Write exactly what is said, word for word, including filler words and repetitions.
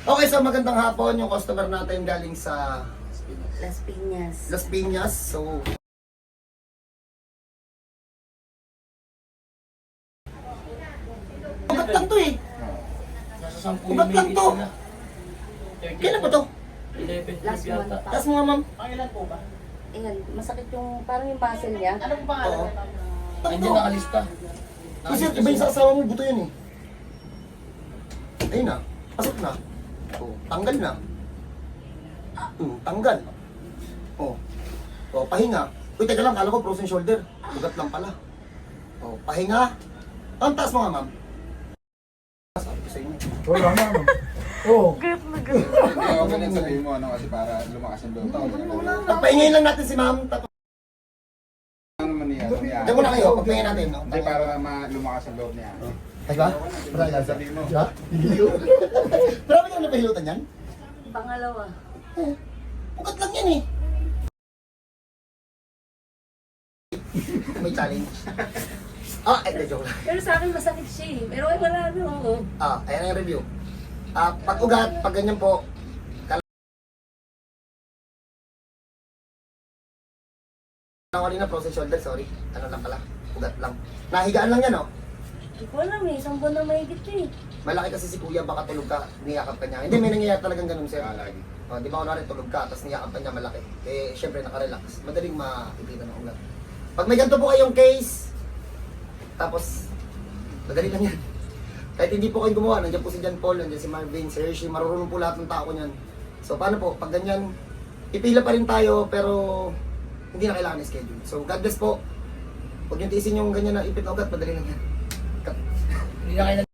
Okay, so magandang hapon. Yung customer natin galing sa Las Piñas. Las Piñas. So, ugat lang to eh. Nasa sampu Ugat lang to. na. Kailan ba to? eleven Last yata. month pa. Taas mo nga, ma'am. Ayan, masakit yung, parang yung muscle niya. Oo. Andiyan nakalista. Kasi iba yung sa asawa mo, buto yun eh. Ayun na. Pasok na. Oh, tanggal na. Hmm, tanggal. Oh. Oh, pahinga. Uy, teka lang, kala ko frozen shoulder. Ugat lang pala. Oh, pahinga. Ang taas mo nga, ma'am. Sabi ko sa inyo. Wala na. Oo. Hindi ako ganyan sabihin mo, ano, kasi para lumakas yung loob ako. Pagpahingayin lang natin si ma'am. Tapos, Ano naman niya? ano niya? diyan muna kayo, pagpahingayin natin. No? Hindi, para ma- lumakas yung loob niya. Ay ba? Marami Sabihin mo. Ha? Marami ka napahilutan yan? Pangalawa. Eh, ugat lang yan eh. May challenge. Ah, eh, joke lang. Pero sa akin masakit siya eh. Pero ay wala na oo. Ah, ayan ang review. Ah, pag ugat, pag ganyan po, kala kanina frozen shoulder, sorry. Ano lang pala, ugat lang. Nahigaan lang yan, oh. Hindi ko alam eh. Isang buwan na mahigit eh. Malaki kasi si kuya, baka tulog ka, niyakap ka niya. Hindi, may nangyayari talagang ganun, sir. Ah, lagi. Oh, di ba kunwari tulog ka, tapos niyakap ka niya malaki. Eh, syempre nakarelax. Madaling makikita ng ugat. Pag may ganito po kayong case, tapos, madali lang yan. Kahit hindi po kayo gumawa, nandiyan po si John Paul, nandiyan si Marvin, si Hershey, marunong po lahat ng tao niyan. So, paano po? Pag ganyan, ipila pa rin tayo, pero hindi na kailangan i-schedule. So, God bless po. Huwag niyo tiisin yung ganyan na ipit na ugat, madali lang yan. Hindi na kayo